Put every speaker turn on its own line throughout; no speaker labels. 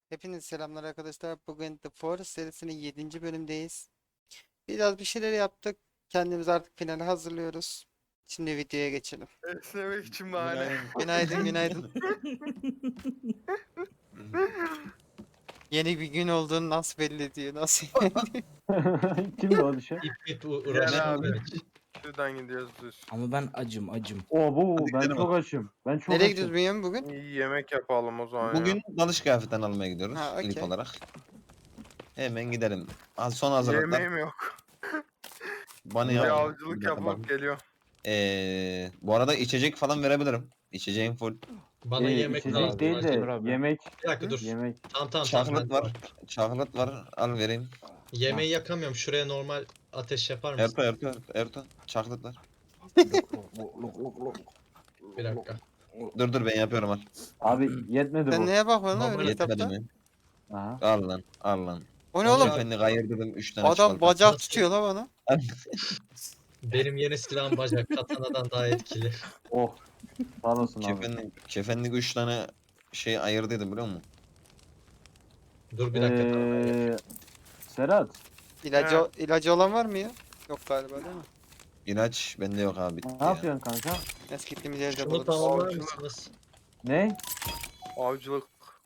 Hepinize selamlar arkadaşlar. Bugün The Forest serisinin 7. bölümdeyiz. Biraz bir şeyler yaptık. Kendimizi artık finale hazırlıyoruz. Şimdi videoya geçelim.
Esnemek için bahane.
Günaydın, günaydın. Yeni bir gün olduğunu nasıl belli ediyor? Nasıl?
Kimdi o düşen?
İp
Gel
uğraşan
abi.
hiç.
Şuradan gidiyoruz düz.
Ama ben acım.
Oo bu
Hadi
ben
gidelim
çok açım. Ben çok
Nereye
açım.
gidiyoruz Bünyamin bugün?
İyi yemek yapalım o zaman
Bugün
ya.
dalış kıyafetten almaya gidiyoruz
Ha,
ilk
okey.
olarak. Hemen gidelim. Son hazırlıklar.
Yemeğim yok.
Bana
Bir
yap.
avcılık
Bir dakika bak.
yapıp geliyor.
Bu arada içecek falan verebilirim. İçeceğim full.
Bana yemek
içecek
lazım.
değil de
acil.
abi.
yemek.
Bir dakika dur.
Yemek.
Tamam.
Çaklıt
ben
var. Çaklıt var. Al vereyim.
Yemeği yakamıyorum. Şuraya normal ateş yapar mısın?
Erto. Çaklıt var.
Bir dakika.
Dur ben yapıyorum al.
Abi yetmedi
Sen
bu.
neye bakıyorsun lan
Normal
öyle
Yetmedi
kitapta?
mi?
Aha.
Al lan.
O ne oğlum?
Efendi kayır dedim 3 tane
Adam
çikolata.
bacak
Nasıl?
tutuyor lan bana.
Benim yeni silahım bacak. Katanadan daha etkili.
Oh. Sağ olasın abi.
Kefenlik 3 tane şey ayırdıydım biliyor musun?
Dur bir dakika.
Serhat.
İlacı olan var mı ya? Yok galiba değil mi?
İlaç bende yok abi bitti
Ne
ya.
yapıyorsun kanka?
Neyse gittiğimiz yerde
Şunu
buluruz.
tamamlar
Avcılık.
mısınız?
Ne?
Avcılık.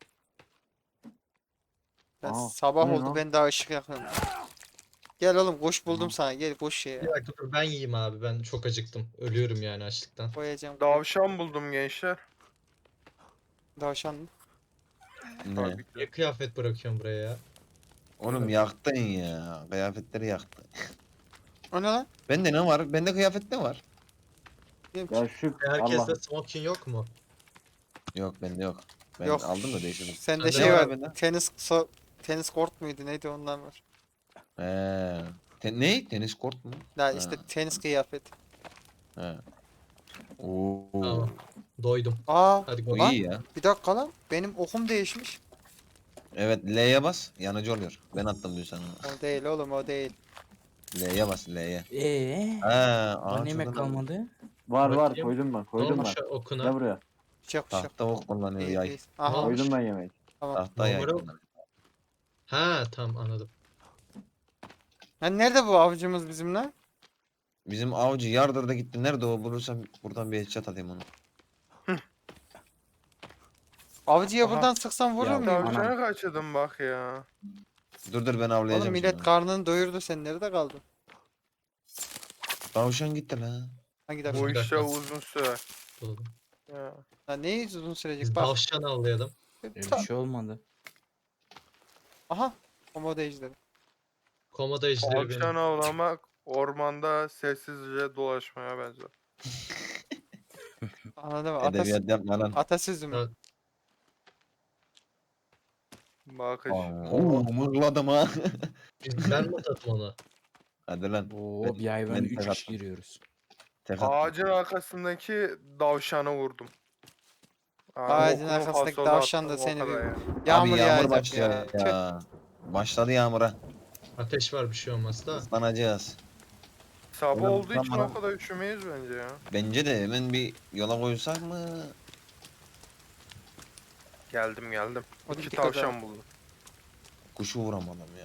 Ben
Aa,
sabah
bu ne
oldu
lan?
ben daha ışık yakıyorum. Gel oğlum koş buldum sana gel koş şeye.
Bir dakika dur ben yiyeyim abi. Ben çok acıktım. Ölüyorum yani açlıktan.
Koyacağım.
Davşan buldum gençler.
Davşan mı?
Ne?
Tabii ki.
Niye kıyafet bırakıyorum buraya ya?
Oğlum yaktın ya. Kıyafetleri yaktın.
O ne lan?
Bende ne var? Bende kıyafet ne var?
Bilmiyorum
Ya
ki.
şu
Herkeste
Allah.
smoking yok mu?
Yok bende yok. Ben
Yok.
aldım da değiştirdim.
Sende
Sende
şey
var
var.
bende.
Tenis kort muydu neydi ondan var.
Ne? Tenis kort mu?
Ya işte tenis kıyafet.
He. Oo.
Tamam. Doydum.
Aa
Hadi
O
go.
Lan.
iyi ya.
bir dakika lan benim okum değişmiş.
Evet L'ye bas. Yanıcı oluyor. Ben attım dün sana.
O değil oğlum o değil.
L'ye bas L'ye.
Bana
Ağaç
yemek
odunu-
kalmadı.
Var
Bakayım.
koydum ben
Ne
koydum ben.
olmuş okuna?
Gel buraya.
Bıçak bıçak.
Tahta ok kullanıyor
İyi,
yay.
iyi. Aha
olmuş?
Koydum ben yemek.
tamam.
Tahta yay
Normal ok.
kullanıyor.
Ha tamam anladım.
Lan nerede bu avcımız bizim lan?
Bizim avcı yardırda gitti. Nerede o? Bulursam buradan bir headshot atayım onu.
Avcıya
Aha.
buradan sıksam vurur
Ya,
muyum?
Anam.
Tavşana kaçırdım bak ya.
Dur ben avlayacağım.
Oğlum millet
şimdi.
karnını doyurdu sen nerede kaldın?
Tavşan gitti lan.
Hangi
Bu
tavşan?
Bir
işe
dakika.
uzun sürer.
Buldum.
Ya.
Lan ne uzun sürecek
Biz
bak.
tavşan avlayalım.
Bir şey olmadı.
Aha. Komodo ejderi.
Komodo ejderi
Tavşan
benim.
avlamak ormanda sessizce dolaşmaya benzer.
Anladın mı?
Edebiyat yapma lan.
Atasözü mü?
Evet.
Bakış.
Mırladım ha.
Ben mi atadım onu?
Hadi lan.
Oo bir ay ben
ben
3
tek
kişi
attım.
giriyoruz.
Tek attım.
Ağacın arkasındaki davşanı vurdum.
Ağacın
okulu
arkasındaki
fasola
tavşan da
attım, o
seni
kadar
bir-
yani.
Yağmur
Abi
yağacak
başlıyor
ya. Tüh.
ya. Başladı yağmura.
Ateş var bir şey olmaz da.
Islanacağız.
Sabah
Oğlum,
olduğu için
tamam.
o kadar üşümeyiz bence ya.
Bence de hemen bir yola koysak mı?
Geldim.
O
İki
dikkat
tavşan buldum.
Kuşu vuramadım ya.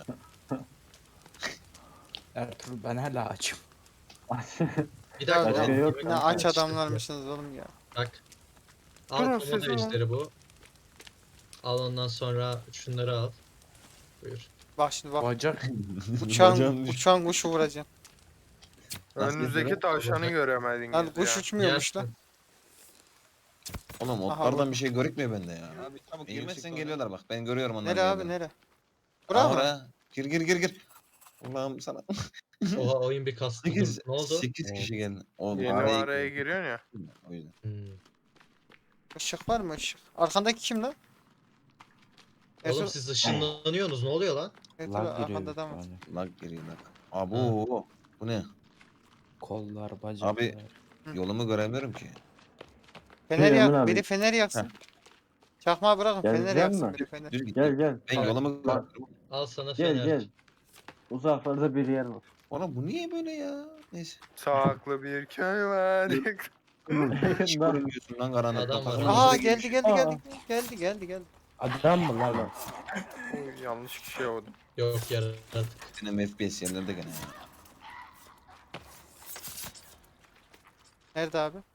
Ertuğrul ben hala açım.
Bir dakika.
Başka
lan,
yok
yemek
Ne
kanka.
aç
yapmak
adamlarmışsınız oğlum ya.
Bak. Al
Durun,
komodo
sesi var.
ejderi bu. Al ondan sonra şunları al. Buyur.
Bak şimdi bak.
Bacak.
Uçan kuşu vuracaksın.
Nasıl
Önünüzdeki
yapıyor?
tavşanı göremediniz
Lan
ya.
kuş uçmuyormuş lan.
Yersin.
Oğlum
Aha,
otlardan
bu-
bir şey görükmüyor bende ya. Abi çabuk girmezsen geliyorlar bak. Ben görüyorum onları.
Nere abi nere? Bura mı?
Bura. Gir. Allah'ım sana.
Oha oyun bir kastı. Dur,
8,
ne oldu?
8 kişi geldi. Oğlum
Yeni araya giriyorsun ya.
O yüzden.
Hmm.
Işık var mı ışık? Arkandaki kim lan?
Oğlum
Ertuğrul,
siz ışınlanıyorsunuz ne oluyor lan?
Ertuğrul
Lag
arkanda
giriyor.
adam var.
Yani.
Lag giriyor lag. Abo. Bu ne?
Kollar, bacaklar.
Abi, Yolumu göremiyorum ki.
Fener
Emin
yak.
abi.
Biri fener yaksın. Çakmağı bırakın fener
Gelecek
yaksın
mi?
biri fener.
Düz git.
Gel.
Ben yolumu göremiyorum.
Al sana
Gel
fener.
gel. Uzaklarda bir yer var.
Oğlum bu niye böyle ya? Neyse.
Saklı bir köy var.
Hiç görünmüyorsun lan karanlıkta.
Adam var.
Takımın
Aha
içine
geldi
girmiş.
geldi geldi. Geldi.
Adam mı lan?
Oy, yanlış kişiye vurdum.
Yok yaratık.
Benim FPS yerlerde gene ya.
Nerede abi?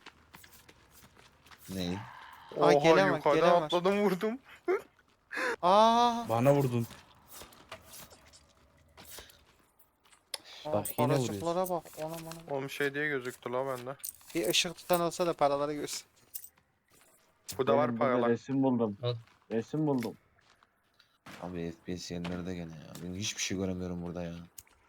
Neyi?
Aa,
Oha
gelen var,
yukarıdan
gelen var.
atladım vurdum.
Aa.
Bana vurdun. Bak yine
Paracıklara bak. Anam anam.
Oğlum şey diye gözüktü la bende.
Bir ışık tutan olsa da paraları görsün.
Bu da var
Benim burada
paralar.
resim buldum.
Al.
Resim buldum.
Abi FPS yerlerde gene ya. Ben hiçbir şey göremiyorum burada ya.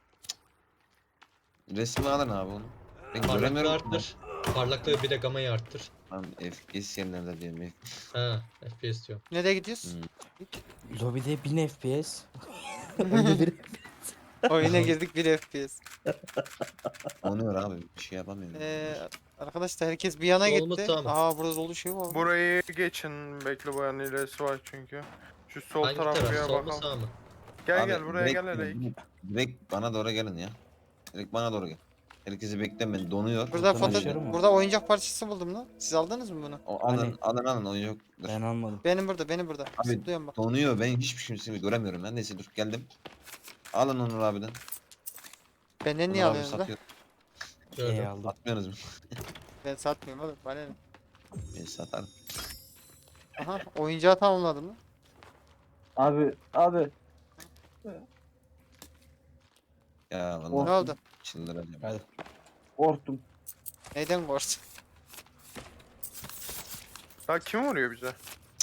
Cık. Resmi alın abi onu. Ben
Parlaklığı
göremiyorum.
arttır. Parlaklığı bir de gamayı arttır.
Lan FPS yerlerde diyorum.
Ha, FPS diyor.
Nereye gidiyoruz?
Lobide 1000 FPS. Önde bir
Oyuna girdik 1 FPS.
Donuyor abi. Bir şey yapamıyorum.
Arkadaşlar herkes bir yana
Sol mu,
gitti.
sağ mı?
Aa burada dolu şey var.
Burayı geçin. Bekle bu yanın ilerisi var çünkü. Şu sol
Hangi
tarafıya
taraf? Sol mu
bakalım.
sağ mı?
Gel
Abi,
gel buraya
direkt
gel hele.
gelin, direkt bana doğru gelin ya. Direkt bana doğru gel. Herkesi beklemeyin. Donuyor.
Burada
Buradan
foto
aşağı mı?
burada oyuncak parçası buldum lan. Siz aldınız mı bunu?
O, alın,
Hani?
alın o yok. Dur.
Ben almadım.
Benim burada.
Abi,
Zıplıyorum bak.
Donuyor. Ben hiçbir şeyini göremiyorum. Ben neyse dur geldim. Alın Onur abiden.
Benden
Onur
niye
abi
alıyorsunuz lan?
satıyor.
Gördüm.
aldım.
Atmıyorsunuz mu?
Ben satmıyorum oğlum. Bana ne?
Ben satarım.
Aha oyuncağı tamamladım lan.
Abi.
Ya
Ne
vallahi
oldu?
çıldıracağım.
Hadi.
Korktum.
Neyden korktun?
Ya kim vuruyor bize?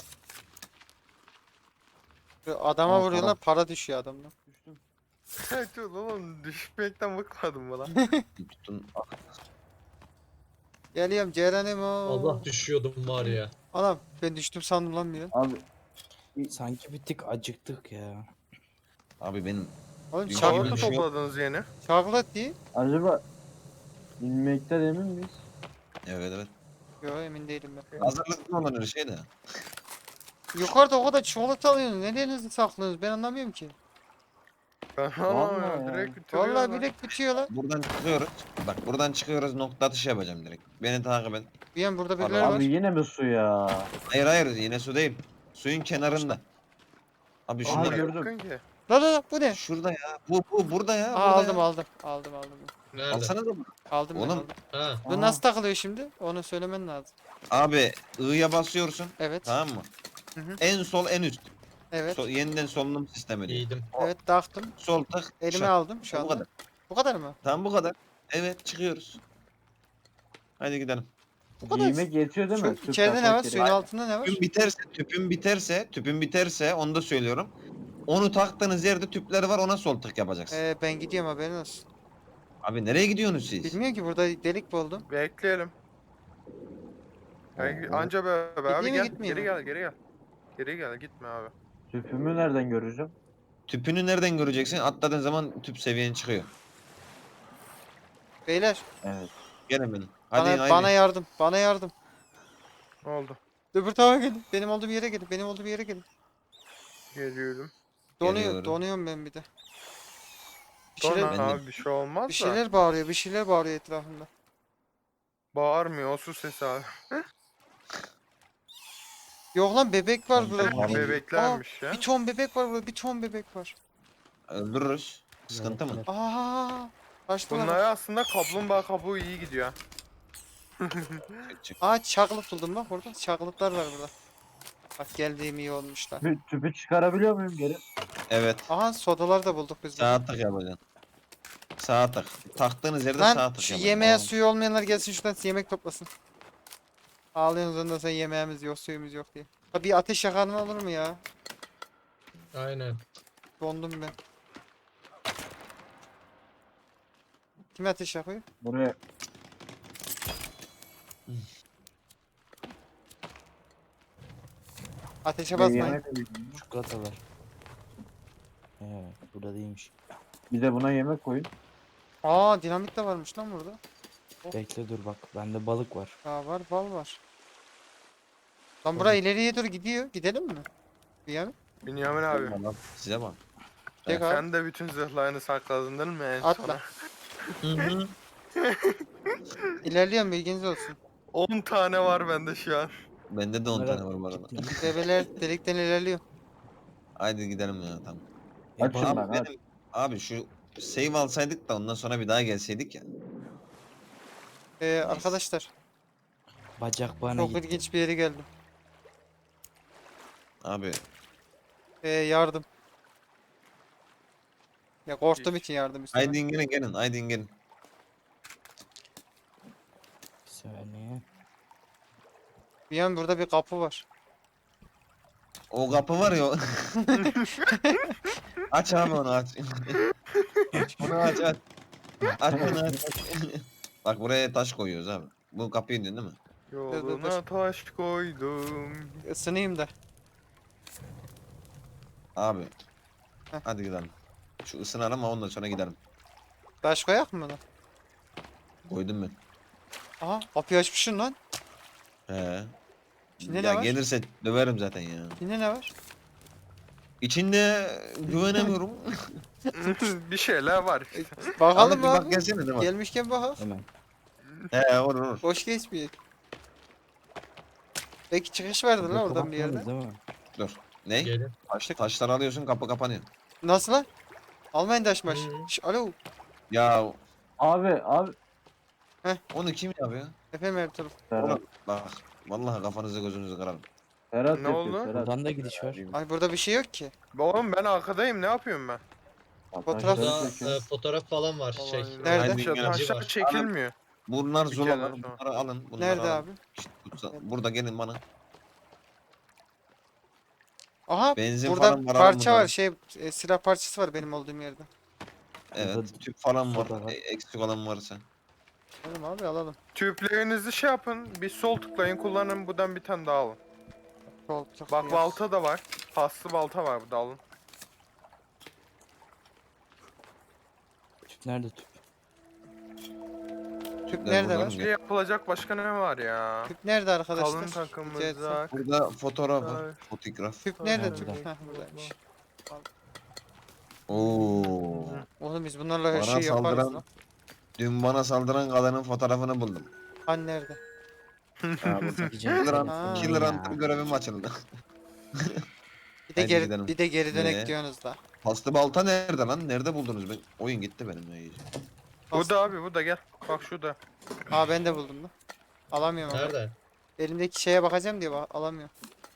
Şu adama
Aa,
vuruyorlar
para.
para düşüyor adamdan.
Düştüm.
Evet oğlum düşmekten bıkmadım mı lan?
Tutun.
Geliyorum Ceren'im o.
Allah düşüyordum var ya.
Anam ben düştüm sandım lan bir an.
Abi
Sanki bir tık acıktık ya.
Abi benim
Oğlum
Dünya
Çağrı
gibi
çaklıt,
bir şey yok.
topladınız yeni.
çaklıt değil.
acaba inmekten emin miyiz?
evet.
Yo emin değilim ben.
Hazırlıklı olun her şey de.
Yukarıda o kadar çikolata alıyorsunuz. Nerenizi saklıyorsunuz ben anlamıyorum ki.
Ben
Vallahi
anlamıyorum
ya.
direkt bitiriyorlar.
Vallahi bilek bitiyor lan.
Buradan çıkıyoruz. Bak buradan çıkıyoruz nokta atışı yapacağım direkt. Beni takip et.
Bir an burada
Abi,
birileri var.
Abi yine mi su ya?
Hayır yine su değil. Suyun kenarında. Abi
Aha,
şunlar
gördüm.
Yakın ki.
La la la bu ne?
şurada ya. Bu burada ya.
Aa,
burada ya.
aldım.
Nerede?
Alsana da.
Aldım ben
Oğlum.
aldım.
Ha.
Bu
Aha.
nasıl takılıyor şimdi? Onu söylemen lazım.
Abi I'ya basıyorsun.
Evet.
Tamam mı?
Hı hı.
En sol en üst.
Evet.
Yeniden solunum sistemi diyor.
İyiydim.
Evet taktım.
Sol tık.
Elime
şak.
aldım şu
Bu
anda.
kadar.
Bu kadar mı?
Tamam bu kadar. Evet çıkıyoruz. Hadi gidelim.
Bu kadar.
Giymek yetiyor değil mi?
Şu
Tüp
içeride ne
takmak
var?
gerek.
Suyun altında ne var?
Tüpün biterse onu da söylüyorum. Onu taktığınız yerde tüpler var ona sol tık yapacaksın.
Ben gidiyorum haberin olsun.
Abi nereye gidiyorsunuz siz?
Bilmiyorum ki burada delik buldum.
Bekleyelim.
Oo.
Anca be abi
Gideyim mi,
gel.
gitmeyeyim
Geri
mi?
gel geri gel. Geri gel gitme abi.
Tüpümü nereden göreceğim?
Tüpünü nereden göreceksin? Atladığın zaman tüp seviyen çıkıyor.
Beyler
Evet.
Gelin benim. Hadi
bana yardım. Bana yardım.
Ne oldu?
Öbür tarafa gelin. Benim olduğum yere gelin. Benim olduğum yere gelin.
Geliyorum.
Geliyorum.
Donuyorum ben bir de. Bir
Sonra
şeyler,
Ben de-
abi bir şey olmaz
bir
da.
şeyler bağırıyor. Bir şeyler bağırıyor etrafımda.
Bağırmıyor o su sesi abi.
Yok lan bebek var burada.
Tamam,
Bir,
Bebeklermiş ya.
bir ton bebek var burada. Bir ton bebek var.
Öldürürüz. Sıkıntı mı?
Aa, kaçtılar.
Bunlar aslında kaplumbağa kabuğu iyi gidiyor.
Çık.
Aa çaklıt buldum bak burada. Çaklıtlar var burada. Bak geldiğim iyi olmuşlar.
Tüpü çıkarabiliyor muyum geri?
Evet.
Aha sodalar da bulduk biz burada.
Sağ tık yapacaksın. Sağ tık. Taktığınız yerde sağ
Lan
tık
şu
yapacaksın.
yemeğe suyu olmayanlar gelsin şuradan yemek toplasın. Ağlıyorsunuz ondan sonra yemeğimiz yok suyumuz yok diye. Ha bir ateş yakanın olur mu ya?
Aynen.
Dondum ben. Kim ateş yakıyor?
Buraya
Ateşe
bir
basmayın.
yemek koyayım.
Çikolatalar. Burada değilmiş.
Bir de buna yemek koyun.
Aa dinamit de varmış lan burada.
Bekle dur bak. Bende balık var.
Aa var bal var. Lan bura ileriye doğru gidiyor. Gidelim mi? Bir yana.
Bünyamin abi.
Tamam, size bak.
Tek abi.
Sen de bütün zırhlarını sakladın değil mi en
Atla.
sona?
İlerliyorum bilginiz olsun.
10 tane var bende şu an.
Bende de 10
Merak
tane var bu arada.
ettim.
Bebeler delikten ilerliyor.
Haydi gidelim ya tamam.
Açım
balık-
ben aç.
Abi şu save alsaydık da ondan sonra bir daha gelseydik ya.
Arkadaşlar
Bacak bana
çok
gitti.
ilginç bir yere geldim.
Abi
Yardım. Ya korktuğum
Hiç.
için yardım istedim.
haydi gelin gelin haydi gelin.
Bir saniye.
Bir yan burada bir kapı var.
O kapı var ya. Aç abi onu aç. Onu aç aç. Aç onu aç. Bak buraya taş koyuyoruz abi. Bu kapıyı indin değil mi?
Yoluna taş koydum.
Isınayım da.
Abi.
Heh.
Hadi gidelim. Şu ısınalım ama ondan sonra gidelim.
Taş koyak mı lan?
Koydum ben.
Aha kapıyı açmışsın lan.
He.
İçinde ne
Ya
var?
gelirse döverim zaten ya.
Yine ne var?
İçinde güvenemiyorum.
Bir şeyler var.
Bakalım
Ahmet bir
abi.
bak gelsene de bak.
Gelmişken bakak.
Hemen.
He olur olur.
Boş geçmiyor. Belki çıkış vardır lan
Burada
oradan bir
kapatmadınız
yerden.
değil mi?
Dur. Ne?
Gelin.
Taşları alıyorsun kapı kapanıyor.
Nasıl lan? Almayın taş maş.
Hı.
Alo.
Ya
Abi.
onu kim yapıyor?
Efendim Ertuğrul.
Ferhat.
Onu, bak vallahi kafanızı gözünüzü kırarım.
Ferhat
Ne
yapıyor
oldu?
Ferhat.
Buradan da gidiş var.
Ay burada bir şey yok ki.
Oğlum ben arkadayım ne yapıyorum ben?
Fotoğraf-
Taşları
Burada
çekiyor.
fotoğraf falan var. Şey.
Nerede?
Haydi gelin.
öğrenci
Taşlar
var.
çekilmiyor.
Bunlar
Bir
zulalar.
kere sonra.
Bunları alın. Bunları
Nerede
alın.
abi?
İşte burada gelin bana.
Aha
Benzin
burada
falan var, alın
parça
bunları.
var. Silah parçası var benim olduğum yerde.
Evet.
Burada
Tüp falan var.
soda var.
Eksik olan varsa.
Tamam abi alalım.
Tüplerinizi şey yapın. Bir sol tıklayın kullanın. Buradan bir tane daha alın.
Koltuk
Bak
yok.
balta da var. Paslı balta var burada alın.
Tüp nerede tüp?
Tüp
Ben
nerede
buradan
var?
mı?
Şey yapılacak başka ne var ya?
Tüp nerede arkadaşlar?
Kalın
Rica etsem.
takımımızda.
Burada fotoğraf var.
Ay.
Fotoğraf.
Tüp nerede
Nerede?
tüp? Heh buradaymış.
Oo.
Oğlum biz bunlarla her
Bana
şeyi yaparız
saldıran-
lan.
Dün bana saldıran kadının fotoğrafını buldum.
Hani nerede?
Ha, burada.
Gideceğim.
Killer,
Ha.
Killer Hunter görevim açıldı.
Bir de
Haydi
geri
gidelim.
bir de geri dönek
Ne?
diyorsunuz da.
Paslı balta nerede lan? Nerede buldunuz? Ben... Oyun gitti benim ya iyice.
Bu da abi bu da gel. Bak şurada.
Aa ben de buldum lan. Alamıyorum ama.
Nerede?
Elimdeki şeye bakacağım diye alamıyorum.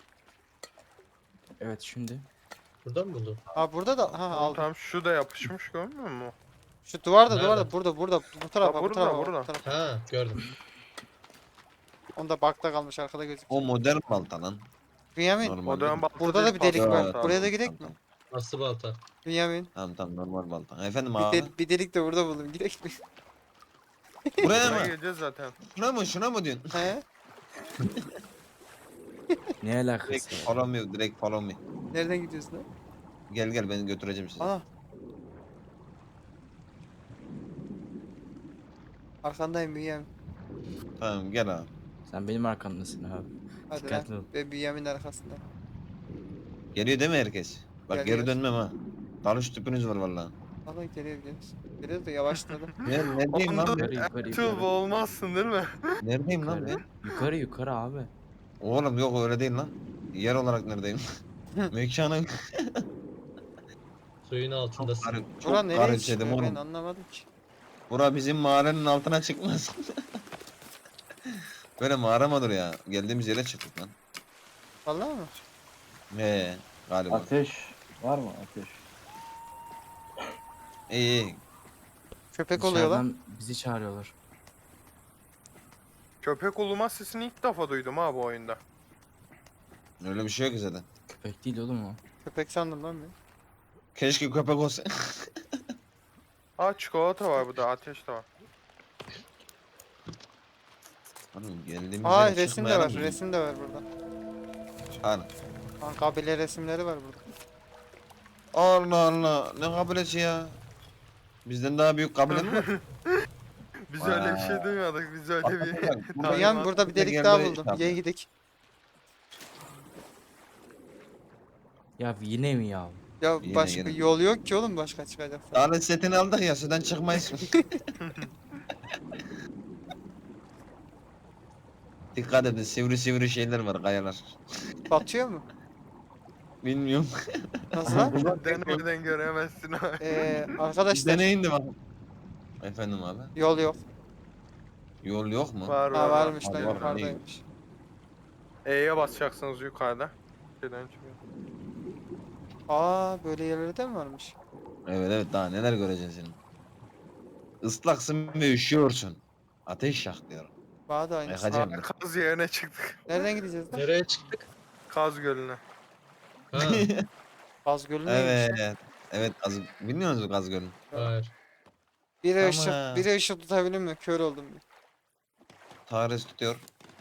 Evet şimdi.
Burada mı buldun?
Aa burada da ha aldım.
Tam şu da yapışmış görmüyor musun?
Şu duvarda
Nerede?
duvarda burada bu tarafa bu
burada,
tarafa
burada.
bu tarafa.
Ha gördüm.
Onda bakta kalmış arkada gözüküyor.
O modern balta lan.
Bünyamin
Normal.
O dönem
değil.
balta
burada da
değil,
bir delik
paslı
var.
balta.
Buraya da gidelim mi?
Tamam,
Aslı balta.
Bünyamin
tamam normal balta. Efendim
bir,
abi.
bir delik de burada buldum. Gidelim mi?
Buraya
Buna
mı?
geleceğiz zaten.
Şuna mı diyorsun?
He?
Ne alakası
Direkt
var?
follow me, direkt follow me.
Nereden gidiyorsun lan?
Gel beni götüreceğim sizi.
Ana. Arkandayım Bünyamin.
Tamam gel abi.
Sen benim arkamdasın abi.
Hadi
Dikkatli
lan.
ol.
Ben Bünyamin'in arkasında.
Geliyor değil mi herkes? Bak
Geliyor.
geri dönmem ha. Dalış tüpünüz var vallahi.
Allah geliyoruz. Geliyoruz da yavaşladı.
Neredeyim lan
Onda
ben?
Yukarı
tüv olmazsın değil mi?
Neredeyim lan
Yukarı.
ben?
Yukarı abi.
Oğlum yok öyle değil lan. Yer olarak neredeyim? Mekanı
Suyun altındasın.
çok
Buran nereye
garipsedim
çıkıyor ben
oğlum.
anlamadım ki.
Bura bizim mağaranın altına çıkmaz. Böyle mağara mıdır ya? Geldiğimiz yere çıktık lan.
Vallahi mı?
Galiba.
Ateş var mı ateş?
İyi.
Köpek oluyor lan.
Dışarıdan bizi çağırıyorlar.
Köpek uluma sesini ilk defa duydum ha bu oyunda.
Öyle bir şey yok ki zaten.
Köpek değil oğlum o.
Köpek sandım lan ben.
Keşke köpek olsa.
Aa çikolata var burada ateş de var.
Oğlum geldiğimiz
Aa
yere
resim de
çıkmayalım
var.
mı?
Resim de var burada.
Hani.
Lan kabile resimleri var burada.
Allah Allah. Ne kabilesi ya? Bizden daha büyük kabile mi var?
Biz öyle bir
Vay.
şey duymadık. Biz öyle bir...
Bak,
Tamam.
Bünyamin burada bir delik
Gel
daha
buraya
buldum.
çıkalım.
Gel gidelim.
Ya yine mi ya?
Ya
Yine,
başka
yine.
yol yok ki oğlum başka çıkacak.
Dalet setini aldık ya sudan çıkmayız. Dikkat edin sivri sivri şeyler var kayalar.
Batıyor mu?
Bilmiyorum.
Nasıl lan?
Denemeden göremezsin abi.
Arkadaşlar
Deneyin de bak. Efendim abi.
yol yok.
Yol yok mu?
Var
Ha
var var.
varmış lan
Var, var,
yukarıdaymış.
E'ye basacaksınız yukarıda. Şeyden çıkıyor.
Aa böyle yerleri de mi varmış?
Evet evet, daha neler göreceğiz senin. Islaksın ve üşüyorsun. Ateş yak diyorum.
Bana da aynısı.
Yakacağım.
Aa, Kaz yerine çıktık.
Nereden gideceğiz lan?
Nereye çıktık?
Kaz Gölü'ne.
Ha,
Gaz Gölü neymiş lan?
Evet. Evet, bilmiyor musunuz Gaz Gölü'nü?
hayır.
Biri
Ama-
ışık, biri ışık tutabilir mi? Kör oldum bir.
Tahres tutuyor.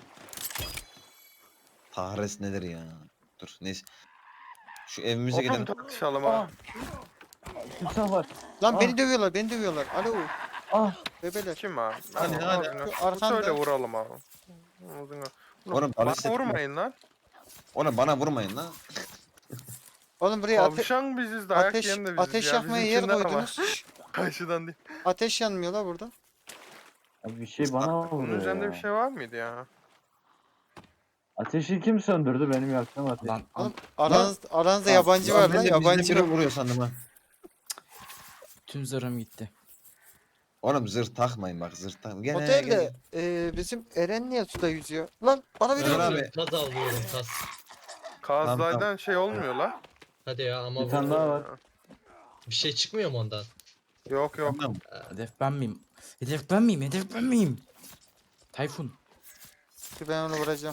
Tahres nedir ya? Dur neyse. Şu evimize
Oğlum
gidelim.
tartışalım
Ah.
ha.
Timsah var.
Lan
Ah.
beni dövüyorlar, beni dövüyorlar. Alo,
Ah.
bebeler.
Kim abi?
Hadi,
Abi,
hadi.
abi,
Arkanda.
Söyle vuralım abi. Ağzına.
Oğlum
Bana
balistik.
vurmayın lan.
Oğlum bana vurmayın lan.
Oğlum buraya
Tavşan biziz, dayak
ateş,
yiyen de biziz
ateş
ya.
yakmaya yer
Bizimkinden ama.
koydunuz. Şşş,
Karşıdan değil.
ateş yanmıyor la burada.
Abi bir şey bana
Bunun
vuruyor
üzerinde
ya.
bir şey var mıydı ya?
Ateşi kim söndürdü benim yaktığım ateş?
Lan
Oğlum aranızda
Lan,
yabancı
lan
var
ben
lan,
de bizden
yabancı
biri
var.
vuruyor sandım ha.
tüm zırhım gitti.
Oğlum zırh takmayın bak, zırh takmayın. Gene
Otelde bizim Eren niye suda yüzüyor? Lan bana bir
Ömer
de
abi.
Kaz avlıyorum kaz.
Kazlardan şey olmuyor la.
Hadi ya ama
Bir tane
bu
daha var.
bir şey çıkmıyor mu ondan?
Yok yok.
Tamam.
Hedef ben miyim? Hedef ben miyim? Hedef ben miyim? Tayfun.
ben onu vuracağım.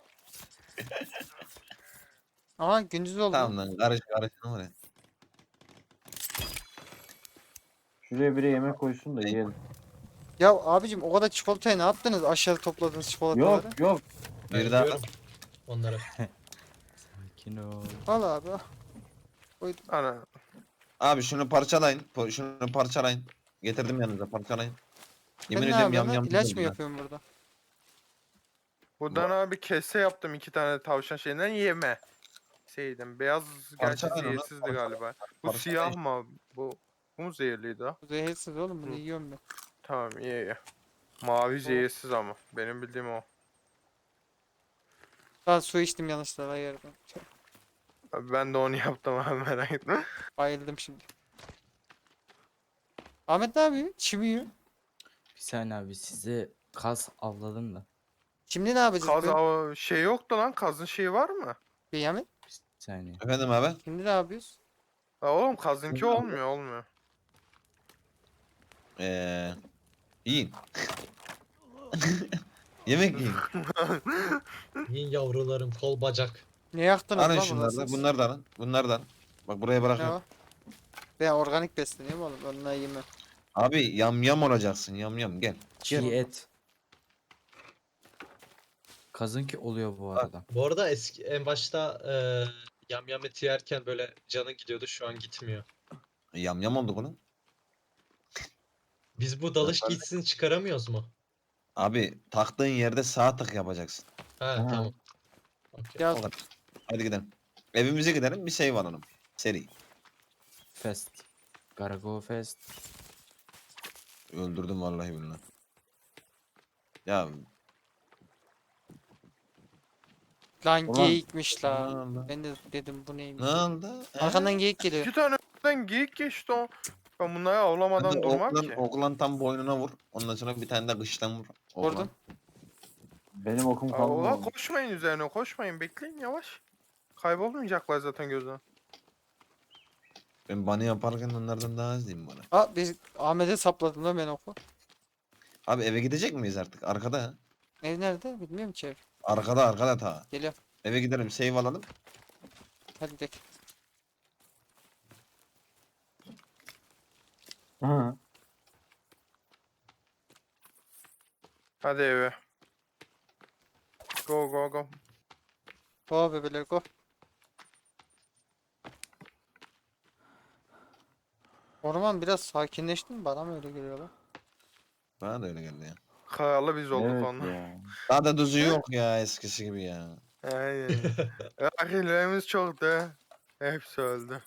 Aha gündüz oldu.
Tamam lan, karış ne var ya.
Şuraya biri yemek koysun da yiyelim.
Ya abicim o kadar çikolatayı ne yaptınız? Aşağıda topladığınız çikolataları.
Yok yok.
Ben
Bir daha
yiyorum onları.
Sakin ol.
Al abi. Al.
Ana.
abi şunu parçalayın. Şunu parçalayın. Getirdim yanınıza, parçalayın. Yemin
Sen ne
ediyorum
yapıyorsun lan?
yam
İlaç
oldu
mı
lan.
yapıyorsun burada?
Buradan abi kese yaptım 2 tane tavşan şeyinden yeme. Şeyden beyaz gerçi
Parçalayın onu,
zehirsizdi
parçalayın.
galiba. Bu
Parçalayın.
siyah mı? Bu mu zehirliydi ha?
Bu zehirsiz oğlum bunu
Hı.
yiyorum ben.
Tamam iyi iyi. Mavi zehirsiz ama. Benim bildiğim o.
Daha su içtim yanlışlıkla ayırdım.
Abi ben de onu yaptım abi, merak etme.
Bayıldım şimdi. Ahmet ne yapıyor? Çim yiyor.
Bir saniye abi size kaz avladım da.
Şimdi ne yapacağız?
Kaz şey yoktu lan. Kazın şeyi var mı?
Ahmet.
Bir saniye.
Efendim abi?
Şimdi ne yapıyoruz?
Ha, oğlum kazınki olmuyor olmuyor.
Yiyin. Yemek yiyin.
Yiyin yavrularım kol bacak.
Ne yaktınız
Alın
lan
şunları da,
bunları?
bunları da alın. Bunları da alın. Bak buraya
Ne
bırakıyorum.
o? Ben organik besleniyorum oğlum. Onunla yemem.
Abi yam olacaksın, yam gel.
Çiğ et. Kazınki oluyor bu arada.
Bu arada eski en başta yam eti yerken böyle canın gidiyordu, şu an gitmiyor.
Yam oldu bunun.
Biz bu dalış giysisini çıkaramıyoruz mu?
Abi taktığın yerde sağ tık yapacaksın.
Ha,
Ha.
tamam. Okey.
Ya
O kadar. Hadi gidelim. Evimize gidelim, bir save alalım. Seri.
Fest. Garago Fest.
Öldürdüm vallahi billahi. Ya
lan
Ulan.
geyikmiş
ne
la.
oldu?
Ben de dedim bu neymiş.
Ne oldu?
Arkandan geyik geliyor.
2 tane önden geyik geçti o. Ben bunları avlamadan
Hadi
durmam
oklan,
ki.
oklan tam boynuna vur. Ondan sonra bir tane de kıştan vur. Oklan.
Vurdum.
Benim okum
Aa,
kalmadı.
ulan koşmayın üzerine, koşmayın, bekleyin yavaş. Kaybolmayacaklar zaten gözden.
Ben bana yaparken onlardan daha az diyeyim bana.
Aa biz Ahmet'e sapladım lan ben oku.
Abi eve gidecek miyiz artık? Arkada ha.
Ev nerede? Bilmiyorum ki ev.
Arkada ta.
Geliyorum.
Eve gidelim, save alalım.
Hadi gidelim.
Hı.
Hadi eve. Go go go.
Go bebeler go. Orman biraz sakinleşti mi? Bana mı öyle geliyor lan?
Bana da öyle geldi ya.
Kayalı biz olduk
Evet
onunla.
ya.
Daha da düzü yok ya eskisi gibi ya.
Aynen. Akillerimiz çoktu. Hepsi öldü.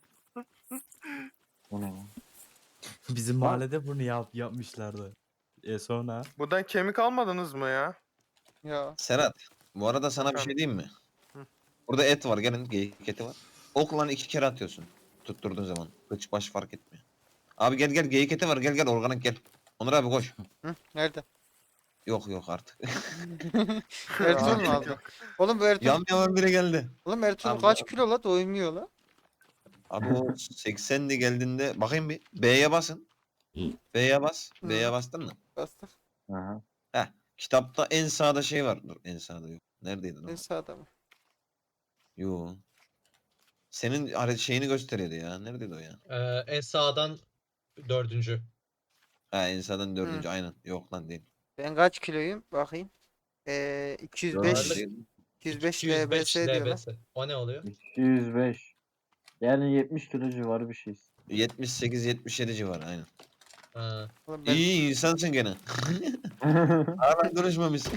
Bu ne lan?
Bizim mahallede bunu yapmışlardı. Sonra
Buradan kemik almadınız mı ya?
Ya.
Serhat, bu arada sana bir
Efendim?
şey diyeyim mi?
Hı.
Burada et var, gelin geyik eti var. okla 2 kere atıyorsun. Tutturduğun zaman. Kıç baş fark etmiyor. Abi gel gel geyik eti var gel organik gel. Onur abi koş.
Hı, nerede?
Yok artık.
Ertuğrul mu aldı? Oğlum bu Ertuğrul,
Yam biri geldi.
oğlum Ertuğrul
Abi,
kaç kilo la, doymuyor la.
Abi o 80'li geldiğinde bakayım bir. B'ye basın. B'ye bas.
Hı.
B'ye bastın mı?
Bastık.
Aha.
Heh. Kitapta en sağda şey var. Dur en sağda yok. Neredeydi
En
lan?
sağda mı?
Yo. Senin şeyini gösteriyordu ya. Neredeydi o ya?
En sağdan 4.
Ha en sağdan 4. aynen. Yok lan değil.
Ben kaç kiloyum? Bakayım. 205
Dördüncü.
205
205
LBS diyor lan.
LBS. O ne oluyor?
205. Yani 70 kilo civarı bir şey.
78-77 civarı aynen.
Ha.
Oğlum ben
İyi insansın gene. Hala duruşmamışsın.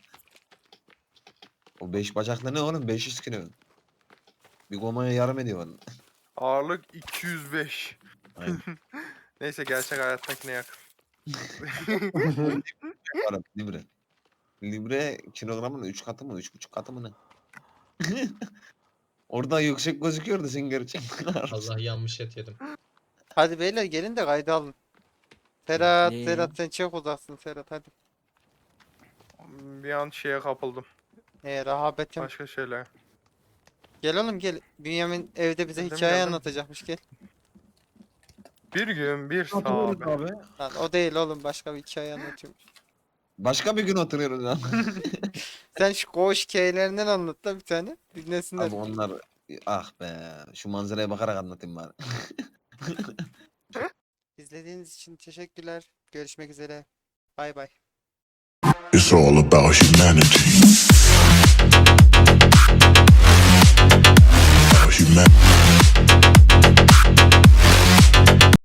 O 5 bacaklı ne oğlum? 500 kilo. Bir gomaya yarım ediyor bana.
Ağırlık 205.
Aynen.
Neyse gerçek hayattakine yakın.
Arap libre. Libre kilogramın 3 katı mı? 3,5 katı mı ne? Orada yüksek gözüküyordu sen gerçek.
Allah yanmış et yedim.
hadi beyler gelin de kayda alın. Serhat,
Ne?
Serhat sen çok uzaksın Serhat hadi.
Bir an şeye kapıldım.
Rahabetim.
Başka şeyler.
Gel oğlum gel. Bünyamin evde bize
Geldim,
hikaye
geldim.
anlatacakmış gel.
Bir gün bir
Oturuyoruz
sahabe.
abi.
Lan o değil oğlum, başka bir hikaye anlatıyormuş.
Başka bir gün oturuyoruz lan.
Sen şu koğuş hikayelerinden anlat da bir tane. Dinlesinler.
Abi onlar ah be şu manzaraya bakarak anlatayım bari.
İzlediğiniz için teşekkürler. Görüşmek üzere. Bay bay.
It's all about humanity.